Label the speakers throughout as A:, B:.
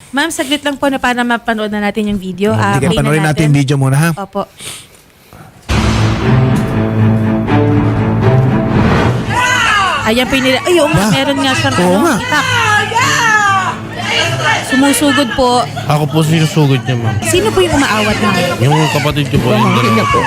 A: Ma'am, saglit lang po na para mapanood na natin yung video.
B: Sige,
A: Play na
B: panoorin natin yung video muna, ha?
A: Opo. Ayan po yung nila. Ay, oo nga, meron nga siyang
B: Oo nga.
A: itak. Sumusugod po.
C: Ako po sinusugod niya, ma'am.
A: Sino po yung umaawat, ma'am?
C: Yung kapatid ko po, yung dalawa po.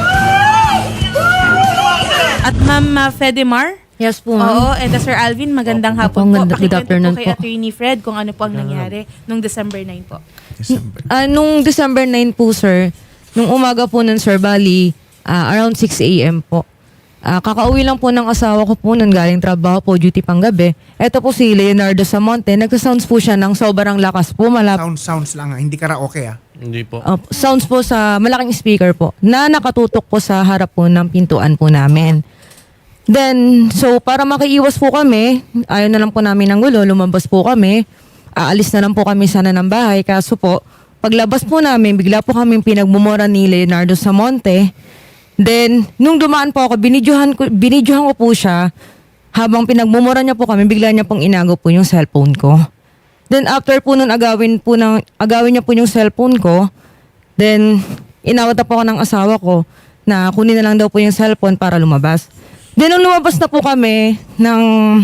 A: At Ma'am Fedemar?
D: Yes po,
A: Oo,
D: ma'am.
A: and Sir Alvin, magandang
D: Opo,
A: hapon po.
D: good
A: Pakikwento
D: afternoon
A: po kay
D: po.
A: Attorney Fred kung ano po ang nangyari nung December 9 po.
B: December.
D: Nung December 9 po, sir, nung umaga po nun, sir, bali, around 6 a.m. po. Kakauwi lang po ng asawa ko po nun, galing trabaho po, duty pang gabi. Ito po si Leonardo Samonte, nagsasounds po siya ng sobrang lakas po,
B: Sounds lang, ha? Hindi karaoke, ha?
C: Hindi po.
D: sounds po sa malaking speaker po, na nakatutok po sa harap po ng pintuan po namin. Then, so para makiiwas po kami, ayaw na lang po namin ng gulo, lumabas po kami. Aalis na lang po kami sana ng bahay. Kaso po, paglabas po namin, bigla po kami pinagmumura ni Leonardo Samonte. Then, nung dumaan po ako, binidyohan ko po siya. Habang pinagmumura niya po kami, bigla niya pong inago po yung cellphone ko. Then, after po nun, agawin niya po yung cellphone ko. Then, inawat na po ako ng asawa ko na kunin na lang daw po yung cellphone para lumabas. Then, nung lumabas na po kami ng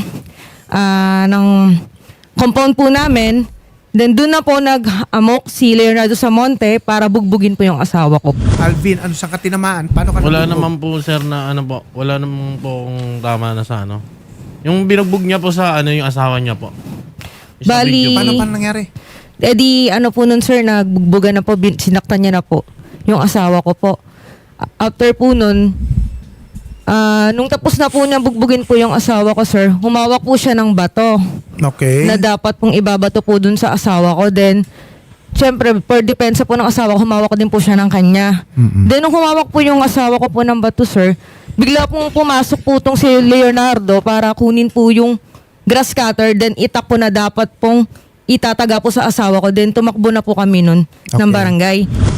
D: compound po namin, then doon na po nag-amok si Leonardo Samonte para bugbugin po yung asawa ko.
B: Alvin, ano sa katinamaan? Paano ka
C: Wala
B: nabugbog?
C: naman po, sir, na ano po. Wala naman po kung tama na sa ano. Yung binugbog niya po sa ano, yung asawa niya po. Yung sa
D: Bali-
C: video po.
B: Paano nangyari?
D: Eh di, ano po nun, sir, nagbugbugan na po, sinaktan niya na po yung asawa ko po. After po nun, nung tapos na po niya bugbugin po yung asawa ko, sir, humawak po siya ng bato
B: Okay.
D: na dapat pong ibabato po dun sa asawa ko. Then, syempre, per depensa po ng asawa ko, humawak din po siya ng kanya. Then, nung humawak po yung asawa ko po ng bato, sir, bigla pong pumasok po tong si Leonardo para kunin po yung grass cutter. Then, itak po na dapat pong itataga po sa asawa ko. Then, tumakbo na po kami nun ng
B: Okay.
D: barangay.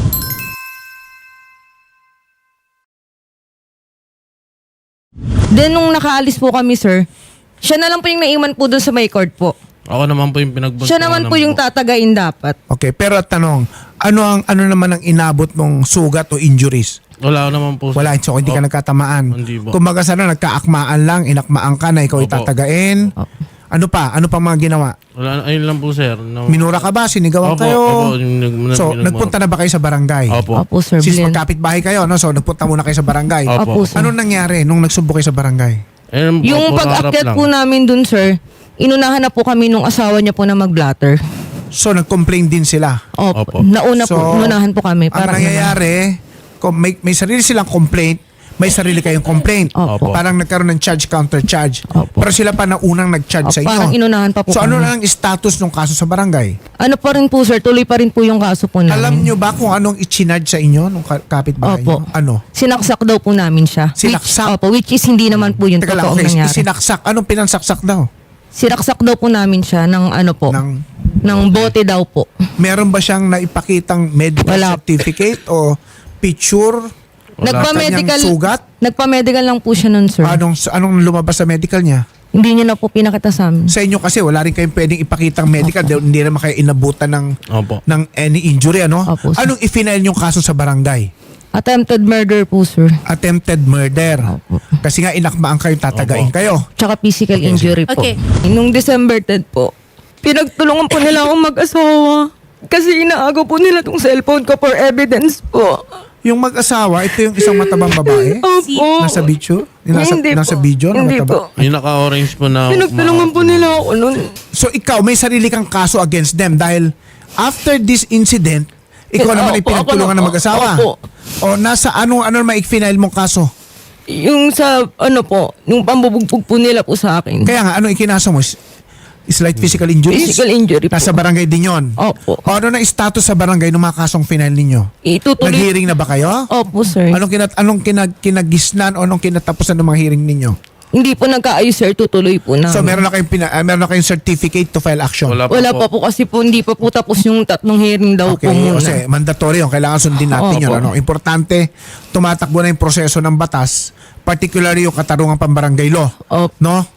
D: Then, nung nakaalis po kami, sir, siya na lang po yung naiwan po dun sa may court po.
C: Ako naman po yung pinagbag.
D: Siya naman po yung tatagain dapat.
B: Okay, pero tanong, ano naman ang inabot mong sugat o injuries?
C: Wala naman po. sir.
B: Wala, so hindi ka
C: Oh,
B: nagkatamaan.
C: Hindi po.
B: Kumbaga sana nagkaakmaan lang, inakmaan ka na ikaw
C: Opo.
B: itatagain. Ano pa? Ano pa mga ginawa?
C: Wala, ayun lang po, sir. No.
B: Minura ka ba? Sinigawan
C: Opo,
B: kayo?
C: opo,
B: So, nagpunta na ba kayo sa barangay?
C: Opo.
D: Opo, sir.
B: Since
D: Brilliant.
B: magkapit-bahay kayo, no? So nagpunta muna kayo sa barangay.
C: Opo.
D: Opo, sir.
B: Anong nangyari nung nagsubo kayo sa barangay?
C: Ayun po,
D: Yung
C: puro harap
D: pag-akyat
C: lang.
D: po namin dun, sir, inunahan na po kami nung asawa niya po na mag-blatter.
B: So nag-complain din sila.
D: Opo.
C: Opo.
D: Nauna
B: So,
D: po, inunahan po kami.
B: Ang nangyayari, kung may sarili silang complaint, may sarili kayong complaint.
D: Opo.
B: Parang nagkaroon ng charge, counter-charge.
D: Opo.
B: Pero sila pa na unang nag-charge sa inyo.
D: Parang inunahan pa po
B: So ano
D: kami.
B: lang ang status ng kaso sa barangay?
D: Ano pa rin po, sir, tuloy pa rin po yung kaso po namin.
B: Alam nyo ba kung anong i-charge sa inyo nung kapitbahay
D: Opo.
B: nyo? Ano?
D: Sinaksak daw po namin siya.
B: Sinaksak?
D: Which is hindi naman po yung
B: Teka lang,
D: totoong
B: okay.
D: nangyari.
B: Sinaksak. Anong pinansaksak daw?
D: Sinaksak daw po namin siya ng ano po, ng bote daw po.
B: Meron ba siyang naipakitang medical
D: Wala.
B: certificate o picture?
D: Nagpa-medical,
B: Kanyang sugat?
D: nagpa-medical lang po siya nun, sir.
B: Anong lumabas sa medical niya?
D: Hindi niya na po pinakita sa amin.
B: Sa inyo kasi wala rin kayong pwedeng ipakitang medical dahil hindi naman kayo inabutan
C: Opo.
B: ng any injury, ano?
D: Opo, sir.
B: Anong i-file yung kaso sa barangay?
D: Attempted murder po, sir.
B: Attempted murder.
D: Opo.
B: Kasi nga inakmaan kayo, tatagain
C: Opo.
B: kayo.
D: Tsaka physical injury po.
A: Okay.
D: Nung December 10 po, pinagtulungan po nila akong mag-asawa. Kasi inaagaw po nila tong cellphone ko for evidence po.
B: Yung mag-asawa, ito yung isang matabang babae?
D: Opo.
B: Nasa video?
D: Hindi
B: Nasa
D: po.
B: video na
D: Hindi
B: mataba?
D: po.
C: Yung naka-orange po na...
D: Pinagtulungan po nila ako nun.
B: So ikaw, may sarili kang kaso against them dahil after this incident, ikaw naman ay
D: Opo,
B: pinagtulungan
D: ako
B: ng
D: na-
B: mag-asawa.
D: Opo.
B: O nasa ano ma-file mong kaso?
D: Yung sa, ano po, yung pambubugbog po nila po sa akin.
B: Kaya nga, ano ikinaso mo? Slight physical injuries?
D: Physical injury po.
B: Nasa barangay din yun?
D: Opo.
B: O ano na status sa barangay ng mga kasong final ninyo?
D: Itutuloy.
B: Nag-hearing na ba kayo?
D: Opo, sir.
B: Anong kinagisnan o anong kinatapusan ng mga hearing ninyo?
D: Hindi po nagkaayos, sir. Tutuloy po na.
B: So meron na kayong certificate to file action?
C: Wala
D: Wala pa po kasi po, hindi pa po tapos yung tatlong hearing daw
B: Okay,
D: po muna.
B: kasi mandatory yun. Kailangan sundin natin yun.
D: Opo.
B: Ano? Importante, tumatakbo na yung proseso ng batas, particularly yung katarungang pambarangay law.
D: Opo.
B: No?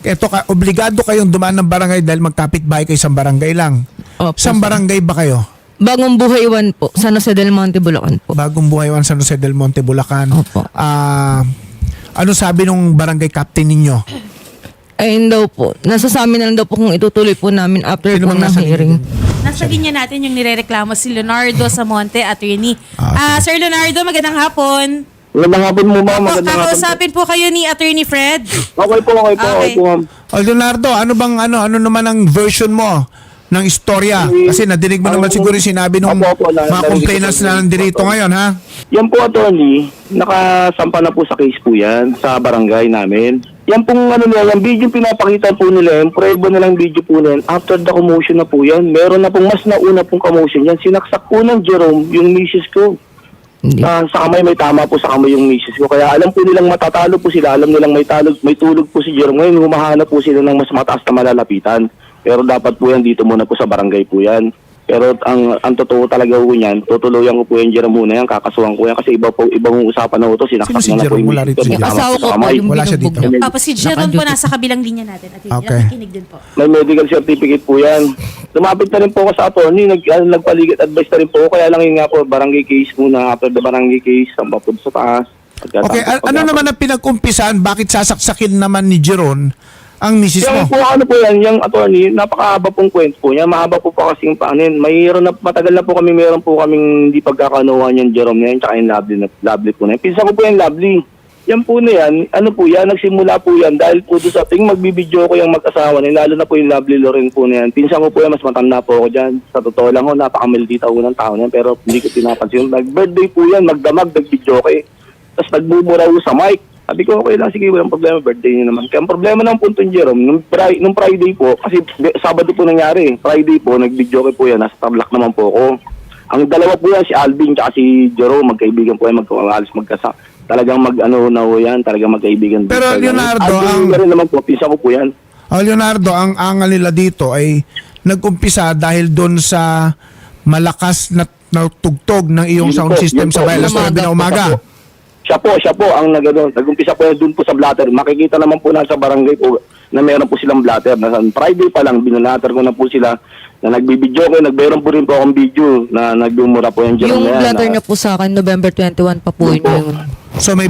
B: Eto obligado kayong dumaan ng barangay dahil magkapit-bahay kayo sa barangay lang.
D: Opo,
B: Sa
D: sir.
B: barangay ba kayo?
D: Bagong Buhay 1 po, San Jose del Monte, Bulacan po.
B: Bagong Buhay 1 San Jose del Monte, Bulacan.
D: Opo.
B: Ano sabi nung barangay captain ninyo?
D: Ayun daw po, nasa sa amin na lang daw po kung itutuloy po namin after
B: Sino
D: po
B: bang
D: ng
B: nasa
D: hearing.
A: Nasa linya natin yung nirereklamo si Leonardo Samonte, attorney.
B: Ah,
A: Sir Leonardo, magandang hapon.
E: Magandang hapon mo, ma'am. Magandang hapon.
A: Kakausapin po kayo ni Attorney Fred.
E: Okay po, okay po,
A: Okay.
E: okay po, ma'am.
B: O Leonardo, ano naman ang version mo ng istorya? Kasi nadinig mo naman siguro yung sinabi ng
E: Opo,
B: mga complainants na nandito ngayon, ha?
E: Yan po, attorney, nakasampa na po sa case po yan, sa barangay namin. Yan pong yung video pinapakita po nila, yung prueba nilang video po nila, after the commotion na po yan, meron na pong mas nauna pong commotion yan. Sinaksak po ng Jerome, yung misis ko.
D: Hindi.
E: Sa kamay, may tama po sa kamay yung misis ko. Kaya alam po nilang matatalo po sila, alam nilang may tulog po si Jerome. Ngayon, humahanap po sila ng mas mataas na malalapitan. Pero dapat po yan dito muna po sa barangay po yan. Pero ang totoo talaga po niyan, tutuluyan ko po yan Jerome muna yan, kakasuhan ko yan. Kasi ibang usapan na ito, sinaksak
B: Sino si
E: na na po
B: Jerome?
E: yung
B: Wala
E: misis
B: rito
E: ko.
B: si
E: may
B: Jerome.
E: tama
D: Asawa
E: po
D: ko
E: sa
D: po
E: kamay.
D: yung
B: Wala siya
D: binugbog
B: dito.
D: niya.
A: Si Jerome po nasa kabilang linya natin. Attorney,
B: Okay.
A: nakikinig din po.
E: May medical certificate po yan. Lumapit na rin po ako sa attorney, nagpaligid advice na rin po ako. Kaya lang yun nga po, barangay case muna. After the barangay case, ang papud sa taas.
B: Okay, ano naman ang pinag-umpisan? Bakit sasaksakin naman ni Jeron ang misis mo?
E: Yung po ano po yan, yung attorney, napakahaba pong kwento po niya. Mahaba po pa kasing paanin. Matagal na po meron po kaming hindi pagkakanuhan yung Jerome na yan, tsaka yung lovely po na yan. Pinsan ko po yung lovely. Yan po na yan, ano po yan, nagsimula po yan dahil po doon sa ting magbibideo ko yung mag-asawa na yun, lalo na po yung lovely Loren po na yan. Pinsan ko po yan, mas matanda po ako dyan. Sa totoo lang ho, napakamaldita ho ng tao na yan, pero hindi ko pinapansin. Nag-birthday po yan, magdamag, nag-video ko eh. Tapos nagbubura ho sa mic. Sabi ko, okay lang, sige, walang problema, birthday niyo naman. Kaya ang problema ng punto ni Jerome, nung Friday po, kasi Sabado po nangyari, Friday po, nag-video ko po yan, nasa Tarlac naman po ako. Ang dalawa po yan, si Alvin at si Jerome, magkaibigan po yan, talagang talagang magkaibigan.
B: Pero Leonardo,
E: Alvin rin naman po, pinsa ko po yan.
B: Leonardo, ang angal nila dito ay nag-umpisa dahil doon sa malakas na tugtog ng iyong
E: Yun
B: sound
E: po,
B: system
E: yun
B: sa
E: po,
B: bahay alas 9 na umaga.
E: Siya po ang nag-umpisa po doon po sa blatter. Makikita naman po na sa barangay po na meron po silang blatter. Na Friday pa lang, binalater ko na po sila na nagbibideo ko. Nagmeron po rin po akong video na nagdumura po yung Jerome
D: Yung
E: na yan.
D: blatter niya po sa akin, November 21 pa po
E: Yun po.
D: yun.
B: So may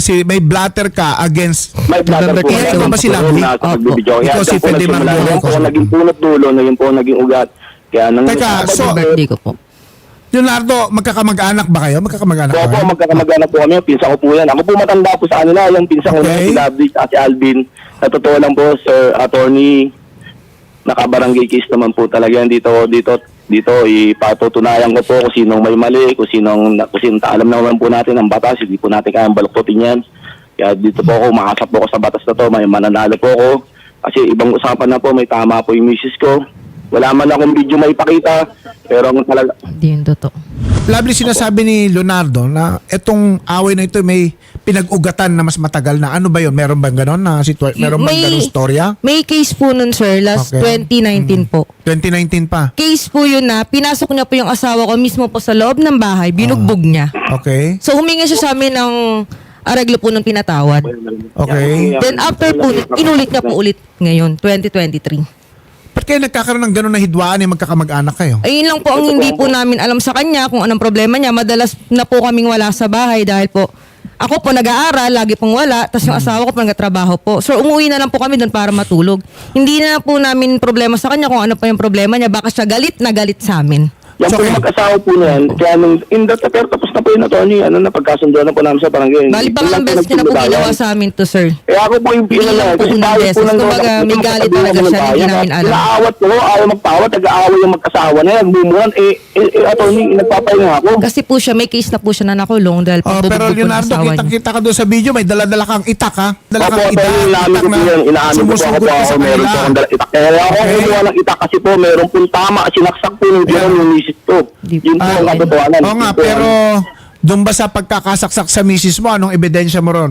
B: blatter ka against
E: May blatter
D: November
E: po.
D: 21
B: Ito ba si Lovely?
E: Nasa
D: Opo.
E: pagbibideo. Kaya
B: Ikaw si
E: dyan po
B: Fede
E: nagsimula.
B: Margolo.
E: Yan po ang naging punot dulo, na yun po ang naging ugat. Kaya nang
B: Teka, so-
D: Birthday ko po.
B: Leonardo, magkakamag-anak ba kayo? Magkakamag-anak
E: Opo,
B: ba?
E: magkakamag-anak po kami. Pinsan ko po yan. Ako po matanda po sa kanila. Yung pinsan ko na
B: Okay.
E: si Lovely at si Alvin. Sa totoo lang po, Sir Attorney, nakabarangay case naman po talaga yan dito ipatutunayan ko po kung sinong may mali, kung sinong alam naman po natin ang batas, hindi po natin kayang baluktutin yan. Kaya dito po ako, makasap po ako sa batas na to, may mananalo po ako. Kasi ibang usapan na po, may tama po yung misis ko. Wala man akong video may pakita, pero ang talaga,
D: Hindi yun totoo.
B: Lovely, sinasabi ni Leonardo na itong away na ito may pinag-ugatan na mas matagal na. Ano ba yun? Meron bang ganon na meron bang ganong storya?
D: May case po nun, sir, last
B: Okay.
D: 2019 po.
B: 2019 pa.
D: Case po yun na pinasok niya po yung asawa ko mismo po sa loob ng bahay, binugbog niya.
B: Okay.
D: So humingi siya sa amin ng areglo po ng pinatawad.
B: Okay.
D: Then after po, inulit niya po ulit ngayon, 2023.
B: Ba't kayo nagkakaroon ng ganon na hidwaan yung magkakamag-anak kayo?
D: Ayun lang po ang hindi po namin alam sa kanya kung anong problema niya. Madalas na po kaming wala sa bahay dahil po ako po nag-aaral, lagi pong wala, tapos yung asawa ko po nagtatrabaho po. So umuwi na lang po kami doon para matulog. Hindi na po namin problema sa kanya kung ano pa yung problema niya. Baka siya galit na galit sa amin.
E: yan po yung mag-asawa po na yan. Kaya nung, pero tapos na po yun, Attorney, napagkasunduan na po namin sa barangay.
D: Bali pa ang best niya na po ginawa sa amin to, sir.
E: Kaya ako po yung
D: Hindi lang po unang beses. Kumbaga, may galit talaga siya na hindi namin alam.
E: Inaawat ko, ayaw magpawat, nag-aaway yung mag-asawa na yan, nagbumuran. Attorney, nagpapahinga ako.
D: Kasi po siya, may case na po siya na nakulong dahil po
B: Pero
D: bubugbog po ng
B: Leonardo,
D: asawa niya.
B: kita ka doon sa video, may dala-dala kang itak ha? Dala
E: Opo,
B: kang
E: pero inamin ko po yan, inamin ko po ako
B: sumusugod
E: po
B: ka
E: ako,
B: sa
E: meron po
B: kanila.
E: akong itak. Kaya ako
B: Okay.
E: kumuha ng itak kasi po, meron pong tama, sinaksak po yung Jerome yung misis ko. Yun po ang katotohanan.
B: Oo nga, pero doon ba sa pagkakasaksak sa misis mo, anong ebidensya mo ron?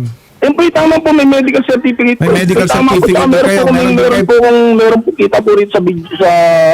E: Yung po, tama po, may medical certificate po.
B: May medical
E: Tama po,
B: certificate
E: tama,
B: ba kayo?
E: meron po kita po rin sa video sa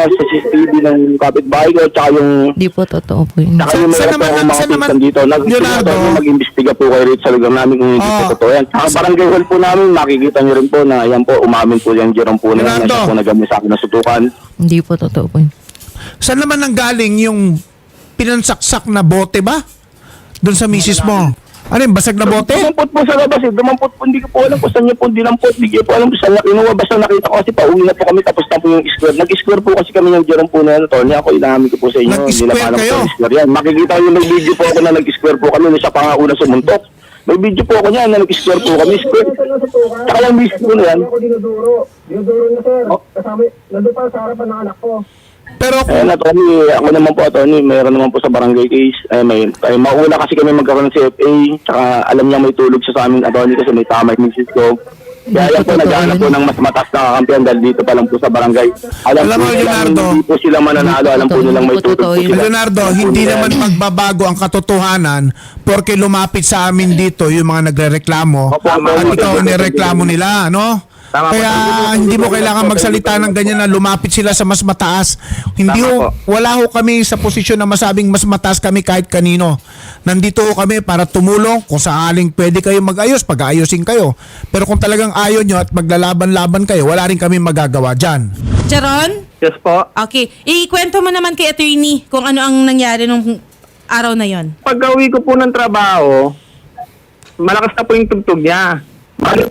E: CCTV ng kapitbahay ko, tsaka yung
D: Hindi po totoo po yun.
E: Saka yung
B: Saan
E: meron po
B: naman-
E: akong mga
B: saan naman-
E: pinsan dito.
B: Leonardo?
E: Mag-imbestiga po kayo rito sa lugar namin kung hindi po totoo yan. Saka barangay hall po namin, makikita nyo rin po na yan po, umamin po yan Jerome po na yan, na
B: Leonardo?
E: siya po nagamit sa akin na sutukan.
D: Hindi po totoo po yun.
B: Saan naman nanggaling yung pinansaksak na bote ba? Doon sa misis mo. Ano yung basag na bote?
E: Dumampot po sa labas eh. Dumampot po. Hindi ko po alam kung saan niya po dinampot. Hindi ko po alam kung saan niya kinuha. Basta nakita ko kasi pauwi na po kami tapos na po yung square. Nag-square po kasi kami ng Jerome po na yan. Tony, ako inamin ko po sa inyo.
B: Nag-square
E: Hindi na alam
B: kayo?
E: po yung square yan. Makikita ko yung may video po ako na nag-square po kami. Na siya pa nga una sumuntok. May video po ako niyan na nag-square po kami. Square. Tsaka yung misis po na yan.
F: Ako dinuduro. Dinuduro niya, sir. Kasama, nandun pa sa harapan ng anak ko.
B: Pero
E: Eh, na Tony, ako naman po, Tony, mayroon naman po sa barangay case. Mauna kasi kami magkaroon ng CFA, tsaka alam niya may tulog siya sa amin, Tony, kasi may tama yung misis ko. Kaya yan po, nag-aanap po ng mas mataas na kakampiyan dahil dito pa lang po sa barangay.
B: Alam
E: po
B: mo,
E: nilang
B: Leonardo,
E: hindi po sila mananalo, alam po nilang may
D: Hindi po
E: tulog
D: totoo
E: po
D: yun.
E: sila.
B: Leonardo, hindi naman magbabago ang katotohanan porque lumapit sa amin dito yung mga nagrereklamo
E: Opo,
B: at
E: opo,
B: ikaw
E: opo,
B: ang nireklamo nila, no?
E: Tama po.
B: Kaya hindi mo kailangan magsalita ng ganyan na lumapit sila sa mas mataas. Hindi
E: Tama
B: wala ho kami sa posisyon na masabing mas mataas kami kahit kanino. Nandito ho kami para tumulong kung sakaling pwede kayo mag-ayos, pag-aayusin kayo. Pero kung talagang ayaw nyo at maglalaban-laban kayo, wala rin kami magagawa dyan.
A: Jaron?
E: Yes po.
A: Okay. Ikwento mo naman kay attorney kung ano ang nangyari nung araw na yon.
F: Pag-uwi ko po ng trabaho, malakas na po yung tugtog niya. Bali po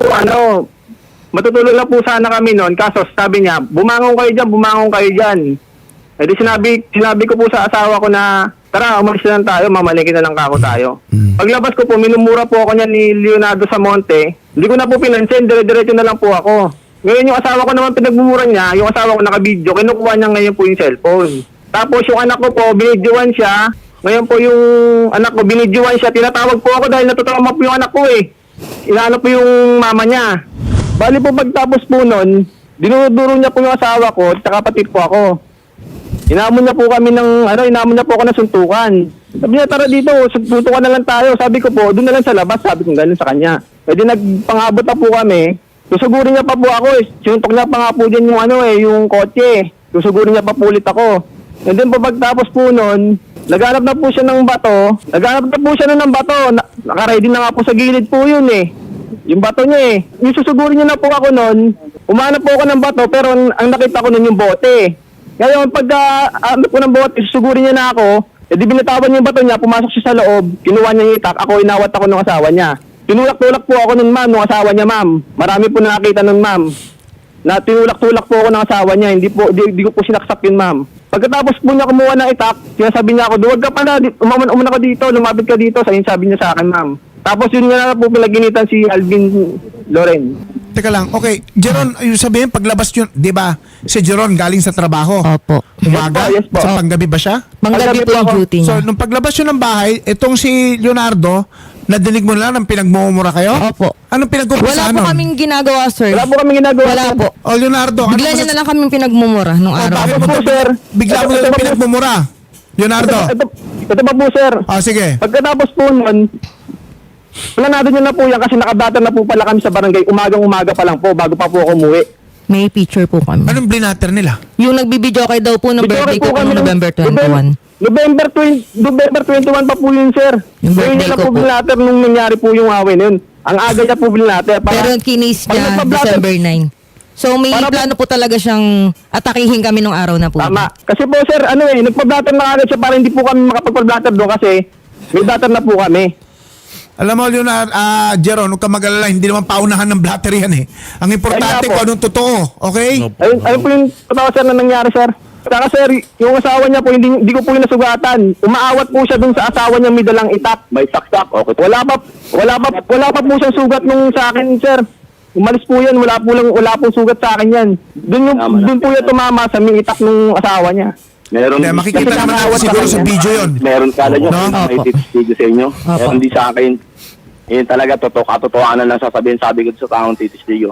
F: matutulog lang po sana kami noon. Kaso sabi niya, bumangon kayo dyan. Eh di sinabi ko po sa asawa ko na, tara, umalis na lang tayo, mamalingkin na lang kako tayo. Paglabas ko po, minumura po ako niya ni Leonardo Samonte. Hindi ko na po pinansin, dire-diretso na lang po ako. Ngayon yung asawa ko naman pinagmumura niya, yung asawa ko naka-video, kinukuha niya ngayon po yung cellphone. Tapos yung anak ko po, binidyoan siya. Ngayon po yung anak ko, binidyoan siya. Tinatawag po ako dahil natutama po yung anak ko eh. Inaano po yung mama niya. Bali po pagtapos po nun, dinuduro niya po yung asawa ko at kapatid po ako. Inamon niya po ako ng suntukan. Sabi niya, tara dito, suntukan na lang tayo. Sabi ko po, doon na lang sa labas, sabi ko ganun sa kanya. Pwede nagpangabot na po kami. Susugurin niya pa po ako eh. Sinuntok niya pa nga po dyan yung kotse. Susugurin niya pa po ulit ako. And then po pagtapos po nun, naghanap na po siya ng bato. Naka-ready na nga po sa gilid po yun eh. Yung bato niya eh. Yung susugurin niya na po ako nun, umanap po ako ng bato pero ang nakita ko nun yung bote. Ngayon pagka-anap ko ng bote, susugurin niya na ako, di binatawan niya yung bato niya, pumasok siya sa loob, kinuha niya yung itak, ako inawat ako ng asawa niya. Tinulak-tulak po ako nun ma'am, ng asawa niya ma'am. Marami po nakakita nun ma'am. Na tinulak-tulak po ako ng asawa niya, hindi ko po sinaksak yun ma'am. Pagkatapos po niya kumuha ng itak, sinasabi niya ako, duwag ka pala, umuna ka dito, lumapit ka dito, sabi niya sa akin ma'am. Tapos yun nga na po pinaginitan si Alvin Loren.
B: Teka lang, okay. Jeron, yung sabihin, paglabas yun, di ba, si Jeron galing sa trabaho.
D: Opo.
B: Umaga?
E: Yes po.
B: Sa panggabi ba siya?
D: Manggabi po yung duty
B: So,
D: niya.
B: nung paglabas yun ng bahay, itong si Leonardo, nadinig mo lang ng pinagmumura kayo?
D: Opo.
B: Anong
D: Wala
B: pinag-umpisa
D: po kaming ginagawa, sir.
E: Wala po kami ginagawa.
D: Wala po.
B: O Leonardo,
D: Bigla niya na lang kaming pinagmumura nung araw.
B: bakit
E: Ito po, sir.
B: bigla mo na lang pinagmumura? Leonardo.
E: Ito pa po sir.
B: Sige.
E: Pagkatapos po nun, planado niyo na po yan kasi nakadata na po pala kami sa barangay. Umagang-umaga pa lang po bago pa po ako umuwi.
D: May picture po kami.
B: Anong blinater nila?
D: Yung nagbibideo kay daw po ng birthday ko po
E: kami
D: noong November 21.
E: November 21 pa po yun, sir.
D: Yung
E: Ngayon
D: birthday
E: niya na
D: ko
E: po
D: po.
E: binlater nung nangyari po yung away na yun. Ang aga niya po binlater.
D: Pero kinis
E: Pag
D: niya
E: nagpa-blatter-
D: December 9. So may
E: Para po-
D: plano po talaga siyang atakihin kami nung araw na po.
E: Tama. Kasi po, sir, nagpa-blatter na agad siya para hindi po kami makapag-blatter doon kasi may blatter na po kami.
B: Alam mo, Leonardo, Jeron, huwag ka mag-alala, hindi naman paunahan ng blatter yan eh. Ang importante
E: Kaya po.
B: kung anong totoo, okay?
C: Opo.
E: Ayun po yung totoo, sir, na nangyari, sir. Saka, sir, yung asawa niya po, hindi ko po yung nasugatan. Umaawat po siya dun sa asawa niya may dalang itak. May saksak, okay. Wala pa po siyang sugat nung sa akin, sir. Umalis po yan, wala po sugat sa akin yan. Dun po yung tumama sa may itak nung asawa niya.
G: Meron
B: Hindi, makikita
E: Kasi
B: naman natin
E: nakakawat
B: siguro
E: sa
B: sa
E: kanya.
B: video yun.
G: meron kala nyo
B: No?
G: may
D: Opo.
G: titistigo sa inyo.
D: Opo.
G: Pero hindi sa akin. Yun talaga, katotohanan lang sasabihin. Sabi ko sa taong titistigo.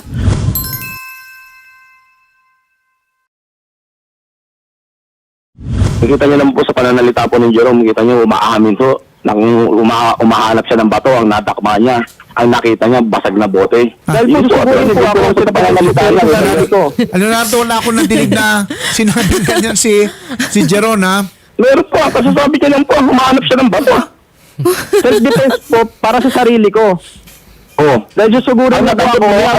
G: Nakita nyo naman po sa pananalita po ng Jerome, kita nyo umaamin po. Umahanap siya ng bato, ang nadakma niya. ang nakita niya basag na bote.
F: Dahil po, susugurin po ako sa pananalita niya. Sabi ko,
B: Leonardo, wala akong nadinig na sinabi ganyan si Jeron, ha?
F: meron po, kasasabi niya lang po, humanap siya ng bato. Self-defense po para sa sarili ko.
G: Oh.
F: Dahil susugurin na po ako,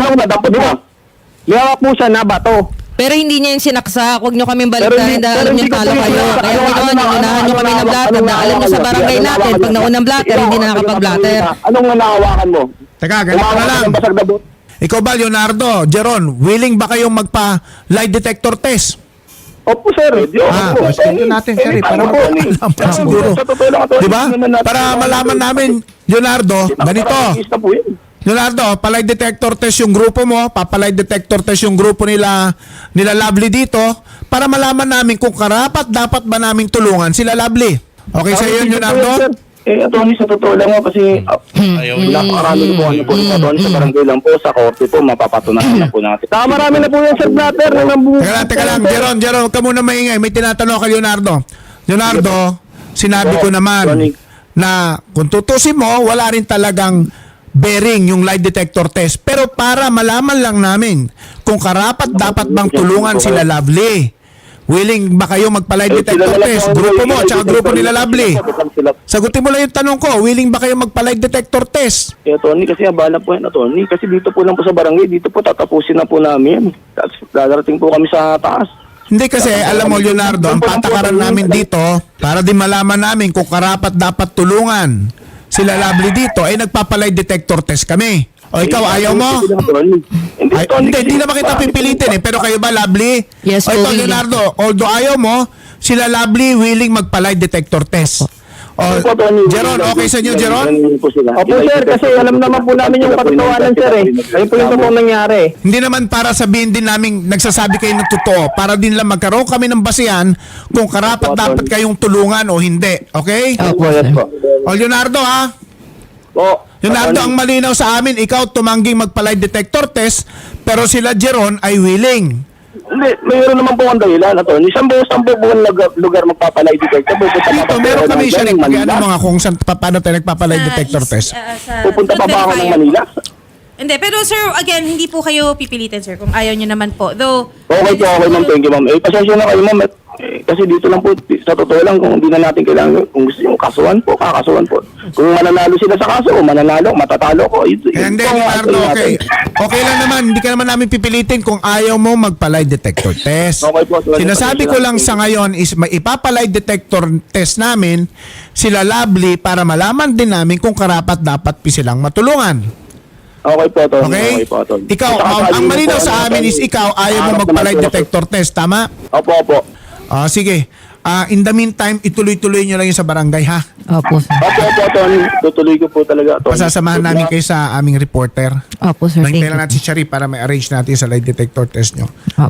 F: may hawak po siya na bato.
D: Pero hindi niya yung sinaksak. Huwag niyo kaming baliktarin dahil alam niyo talo kayo. Kaya ginawa niyo, unahan niyo kami ng blatter. Naalam niyo sa barangay natin, pag naunang blatter, hindi na nakakapag-blatter.
G: Anong nahawakan mo?
B: Teka, ganito na lang.
G: Ng basag na bote.
B: Ikaw ba, Leonardo, Jeron, willing ba kayong magpa-lie detector test?
F: Opo, sir.
B: Ah, schedule natin, sir, para malaman siguro. Diba? Para malaman namin, Leonardo, ganito. Leonardo, palay detector test yung grupo mo, papalay detector test yung grupo nila Lovely dito, para malaman namin kung karapat dapat ba naming tulungan sila Lovely. Okay sa iyo, Leonardo?
E: Attorney, sa totoo lang po kasi
C: Ayaw niya.
E: napakarami po ano po, attorney, sa barangay lang po, sa korte po, mapapatunayan na po natin.
F: Saka marami na po yung self-blatter.
B: Teka lang, Jeron, huwag ka muna maingay. May tinatanong kay Leonardo. Leonardo, sinabi ko naman na kung tutusin mo, wala rin talagang bearing yung lie detector test. Pero para malaman lang namin kung karapat dapat bang tulungan sila Lovely. Willing ba kayo magpa-lie detector test? Grupo mo, tsaka grupo nila Lovely. Sagutin mo lang yung tanong ko, willing ba kayo magpa-lie detector test?
E: Attorney, kasi abala po yan, attorney. Kasi dito po lang po sa barangay, dito po tatapusin na po namin. Tapos dadarating po kami sa taas.
B: Hindi kasi, alam mo Leonardo, ang patakaran namin dito, para din malaman namin kung karapat dapat tulungan sila Lovely dito, ay nagpapalay detector test kami. O ikaw, ayaw mo? Hindi naman kita pipilitin eh. Pero kayo ba, Lovely?
D: Yes,
B: o ito,
D: willing.
B: Leonardo, although ayaw mo, sila Lovely willing magpalay detector test. O, Jeron, okay sa inyo, Jeron?
F: Opo, sir, kasi alam naman po namin yung katotohanan, sir, eh. Ayun po yung totoong nangyari.
B: Hindi naman para sabihin din namin nagsasabi kayo ng totoo. Para din lang magkaroon kami ng basihan kung karapat dapat kayong tulungan o hindi. Okay?
D: Opo, sir.
B: O, Leonardo, ha?
E: Po.
B: Leonardo, ang malinaw sa amin, ikaw tumangging magpa-lie detector test, pero sila Jeron ay willing.
E: Hindi, mayroon naman po ang dahilan, attorney. Saan po lugar magpapalay detector?
B: Dito, meron kami siya rin. Ano mga kung saan, paano tayo nagpa-lie detector test?
E: Pupunta pa ba ako ng Manila?
A: Hindi, pero sir, again, hindi po kayo pipilitin, sir, kung ayaw nyo naman po. Though,
E: Okay po, okay ma'am. Thank you, ma'am. Pasensya na kayo, ma'am. Kasi dito lang po, sa totoo lang, kung hindi na natin kailangan, kung gusto nyo, kasuhan po, kakasuhan po. Kung mananalo sila sa kaso, mananalo, matatalo ko.
B: Hindi, Leonardo, okay. Okay lang naman, hindi ka naman namin pipilitin kung ayaw mo magpa-lie detector test.
E: Okay po, sir.
B: Sinasabi ko lang sa ngayon is may ipapa-lie detector test namin sila Lovely para malaman din namin kung karapat dapat silang matulungan.
E: Okay po, Tony.
B: Okay?
E: Okay po, Tony.
B: Ikaw, ang malinaw sa amin is ikaw ayaw mo magpa-lie detector test, tama?
E: Opo, opo.
B: Sige. In the meantime, ituloy-tuloy nyo lang yung sa barangay, ha?
D: Opo, sir.
E: Opo, opo, Tony. Tutuloy ko po talaga, Tony.
B: Pasasamahan namin kayo sa aming reporter.
D: Opo, sir. Thank
B: Nangintay lang
D: you.
B: natin si Sharif para may arrange natin sa lie detector test nyo.
D: Opo.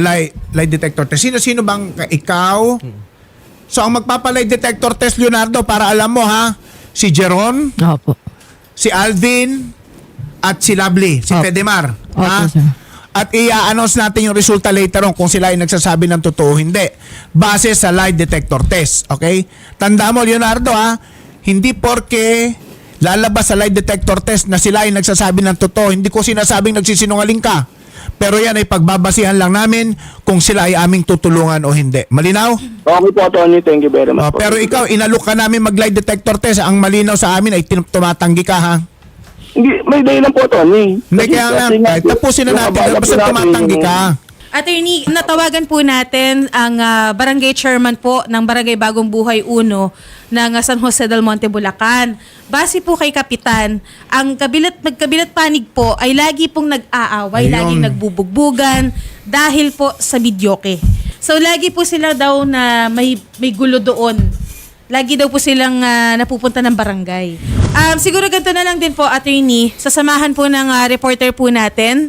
B: Lie detector test. Sino bang ikaw? So, ang magpapa-lie detector test, Leonardo, para alam mo, ha? Si Jeron,
D: Opo.
B: si Alvin, at si Lovely, si
D: Opo.
B: Fedemar.
D: Opo,
B: Ha?
D: sir.
B: At i-announce natin yung resulta later on kung sila ay nagsasabi ng totoo o hindi. Base sa lie detector test. Okay? Tanda mo, Leonardo, ha? Hindi porke lalabas sa lie detector test na sila ay nagsasabi ng totoo. Hindi ko sinasabing nagsisinungaling ka. Pero yan ay pagbabasihan lang namin kung sila ay aming tutulungan o hindi. Malinaw?
E: Okay po, Tony. Thank you very much. po.
B: Pero ikaw, inalok ka namin mag-lie detector test. Ang malinaw sa amin ay tumatanggi ka, ha?
E: Hindi, may dahilan po, Tony.
B: Hindi, kaya nga, tapusin na natin. Basta tumatanggi ka.
A: Attorney, natawagan po natin ang barangay chairman po ng Barangay Bagong Buhay 1 ng San Jose del Monte, Bulacan. Base po kay Kapitan, ang magkabilat panig po ay lagi pong nag-aaway,
B: Ayun.
A: laging nagbubugbugan dahil po sa videoke. So lagi po sila daw na may gulo doon. Lagi daw po silang napupunta ng barangay. Siguro ganito na lang din po, attorney, sasamahan po ng reporter po natin,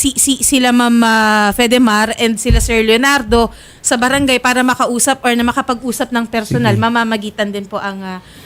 A: sila Ma'am Fedemar and sila Sir Leonardo sa barangay para makausap or na makapag-usap ng personal. Mamamagitan din po ang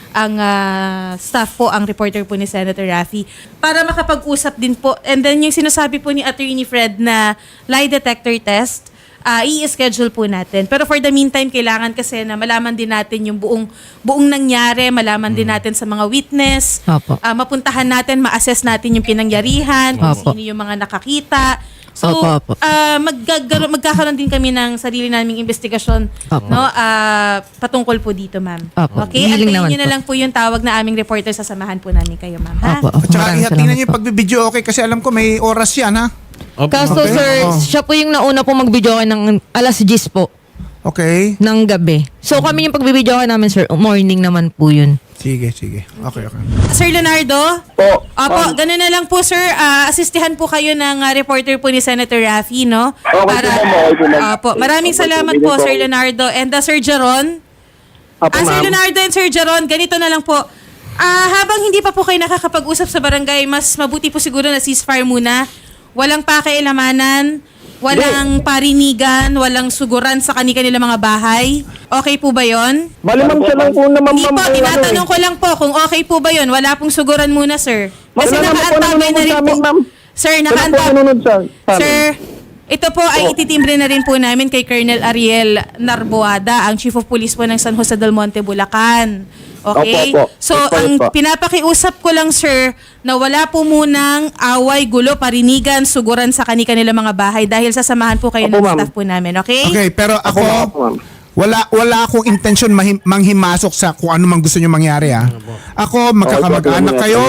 A: staff po, ang reporter po ni Senator Raffy, para makapag-usap din po. And then yung sinasabi po ni Attorney Fred na lie detector test, i-schedule po natin. Pero for the meantime, kailangan kasi na malaman din natin yung buong nangyari, malaman din natin sa mga witness,
D: Opo.
A: mapuntahan natin, ma-assess natin yung pinangyarihan, kung
D: Opo.
A: sino yung mga nakakita. So,
D: Opo.
A: magkakaroon din kami ng sarili naming investigasyon,
D: Opo.
A: no? Patungkol po dito, ma'am.
D: Opo.
A: Okay?
D: Willing
A: Antayin
D: naman
A: nyo na
D: po.
A: lang po yung tawag na aming reporter, sasamahan po namin kayo, ma'am. Ha?
D: Opo.
B: At saka
D: Maraming
B: ihatingnan
D: salamat
B: niyo yung
D: po.
B: pagbibideo, okay? Kasi alam ko may oras yan, ha?
C: Opo.
D: Kaso
B: Okay.
D: sir,
B: Oo.
D: siya po yung nauna po mag-video ng alas 10 po
B: Okay.
D: ng gabi. So kami yung pagbibideo namin sir, morning naman po yun.
B: Sige. Okay.
A: Sir Leonardo?
E: Po.
A: Opo, gano'n na lang po, sir. Asistihan po kayo ng reporter po ni Senator Raffy, no?
E: Okay po, ma'am. Okay po, ma'am.
A: Opo, maraming salamat po, Sir Leonardo. And Sir Jaron?
F: Opo,
A: Sir
F: ma'am.
A: Leonardo and Sir Jaron, ganito na lang po. Habang hindi pa po kayo nakakapag-usap sa barangay, mas mabuti po siguro na ceasefire muna. Walang pakialamanan, walang parinigan, walang suguran sa kanilang mga bahay. Okay po ba yon?
F: Malamang siya lang po naman,
A: Hindi
F: ma'am.
A: po, tinatanong ko lang po kung okay po ba yon. Wala pong suguran muna, sir. Kasi
F: Wala naman po
A: nakaantabay na rin
F: nanonood sa
A: po.
F: amin, ma'am.
A: Sir,
F: Wala po
A: nakaantabay.
F: nanonood sa amin.
A: Sir, ito po ay ititimbre na rin po namin kay Colonel Ariel Narboada, ang Chief of Police po ng San Jose del Monte, Bulacan. Okay?
E: Opo, opo.
A: So,
E: Opo,
A: ang
E: opo.
A: pinapakiusap ko lang, sir, na wala po munang away, gulo, parinigan, suguran sa kanilang mga bahay dahil sasamahan po kayo
F: Opo,
A: ng
F: ma'am.
A: staff po namin. Okay?
B: Okay, pero ako,
F: Opo, ma'am.
B: wala akong intention manghimasok sa kung ano man gusto nyo mangyari, ha? Ako, magkakamag-anak kayo,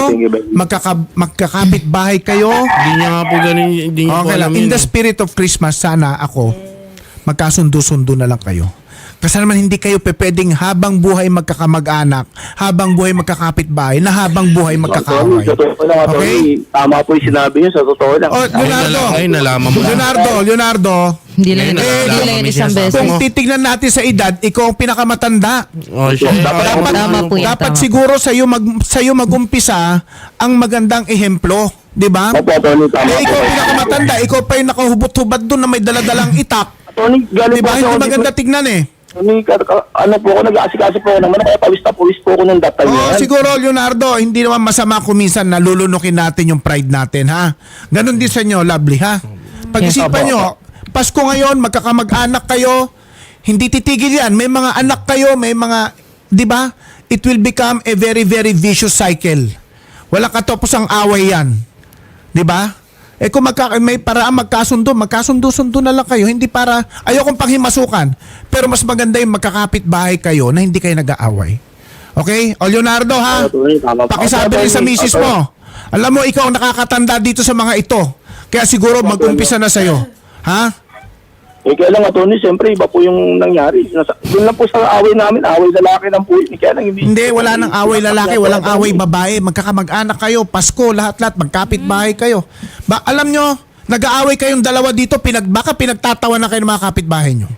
B: magkakapit bahay kayo.
C: Hindi niya nga po ganun. Hindi niya po
B: Okay
C: alam
B: lang. In
C: yun.
B: the spirit of Christmas, sana ako, magkasundo-sundo na lang kayo. Kasi naman hindi kayo pwedeng habang buhay magkakamag-anak, habang buhay magkakapit bahay, na habang buhay magkakaaway.
E: Sa totoo lang,
B: Okay?
E: attorney. Tama po yung sinabi niyo, sa totoo lang.
B: Oh, Leonardo.
C: Ay, nalaman mo na.
B: Leonardo.
D: Hindi lang,
C: Ngayon,
D: hindi
C: nalaman
D: lang
C: kami
D: isang
C: sinasabi
D: beses.
B: Kung titignan natin sa edad, ikaw ang pinakamatanda.
C: Oh, siya.
D: Tama po yan.
B: Dapat
D: tama.
B: siguro sa'yo mag-umpisa ang magandang ehemplo. Di ba?
E: Opo, attorney, tama
B: Eh, ikaw
E: po.
B: pinakamatanda, ikaw pa yung nakahubot-hubad doon na may daladalang itak.
E: Attorney, galing
B: Di ba?
E: po
B: Hindi
E: ako
B: maganda
E: dito.
B: tignan eh.
E: Attorney, ano po ako, nag-aasikaso po ako naman, kaya pawis po ako ng datay
B: Oo,
E: niyan.
B: siguro, Leonardo, hindi naman masama kung minsan nalulunukin natin yung pride natin, ha? Ganon din sa inyo, lovely, ha? Pag-isipan
E: Yes.
B: nyo, Pasko ngayon, magkakamag-anak kayo, hindi titigil yan. May mga anak kayo, may mga, di ba? It will become a very, very vicious cycle. Wala katapusang away yan. Di ba? Eh kung may paraan magkasundo-sundo na lang kayo. Hindi para, ayokong panghimasukan. Pero mas maganda yung magkakapit bahay kayo na hindi kayo nag-aaway. Okay? O Leonardo, ha?
E: Attorney, tama po.
B: Pakisabi rin sa misis mo. Alam mo, ikaw ang nakakatanda dito sa mga ito. Kaya siguro mag-umpisa na sa'yo. Ha?
E: Eh, kaya lang, attorney, siyempre, iba po yung nangyari. Doon lang po sa away namin, away lalaki lang po yun. Kaya lang,
B: Hindi, wala nang away lalaki, walang away babae. Magkakamag-anak kayo, Pasko, lahat-lahat, magkapit bahay kayo. Alam nyo, nag-aaway kayong dalawa dito, baka pinagtatawa na kayo ng mga kapitbahay nyo.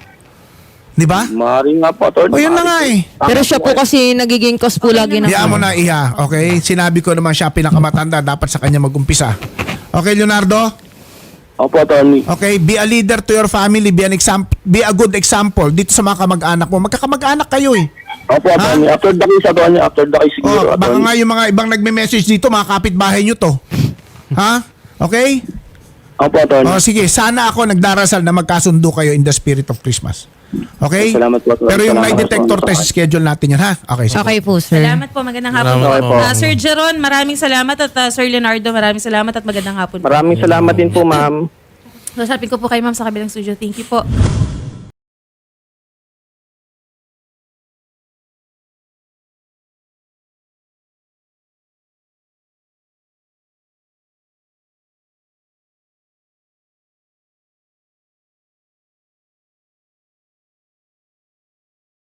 B: Di ba?
E: Maring nga po, attorney.
B: O yun na nga eh.
D: Pero siya po kasi nagiging cause po lagi ng...
B: Iyan mo na, Iha. Okay? Sinabi ko naman siya pinakamatanda, dapat sa kanya mag-umpisa. Okay, Leonardo?
E: Opo, attorney.
B: Okay, be a leader to your family, be a good example dito sa mga kamag-anak mo. Magkakamag-anak kayo eh.
E: Opo, attorney. After the case, attorney. After the case, siguro,
B: Oh, baka
E: attorney.
B: nga yung mga ibang nagme-message dito, mga kapitbahay nyo to. Ha? Okay?
E: Opo, attorney.
B: Oh, sige, sana ako nagdarasal na magkasundo kayo in the spirit of Christmas. Okay?
E: Salamat po, attorney.
B: Pero yung lie
E: Salamat po,
B: detector
E: attorney.
B: test, schedule natin yan, ha? Okay, sige.
D: Okay po, sir.
A: Salamat po. Magandang hapon
C: Salamat
A: po.
C: po.
A: Sir Jeron, maraming salamat. At Sir Leonardo, maraming salamat at magandang hapon po.
F: Maraming salamat din po, ma'am.
A: So, sabi ko po kay ma'am sa kabilang studio. Thank you po.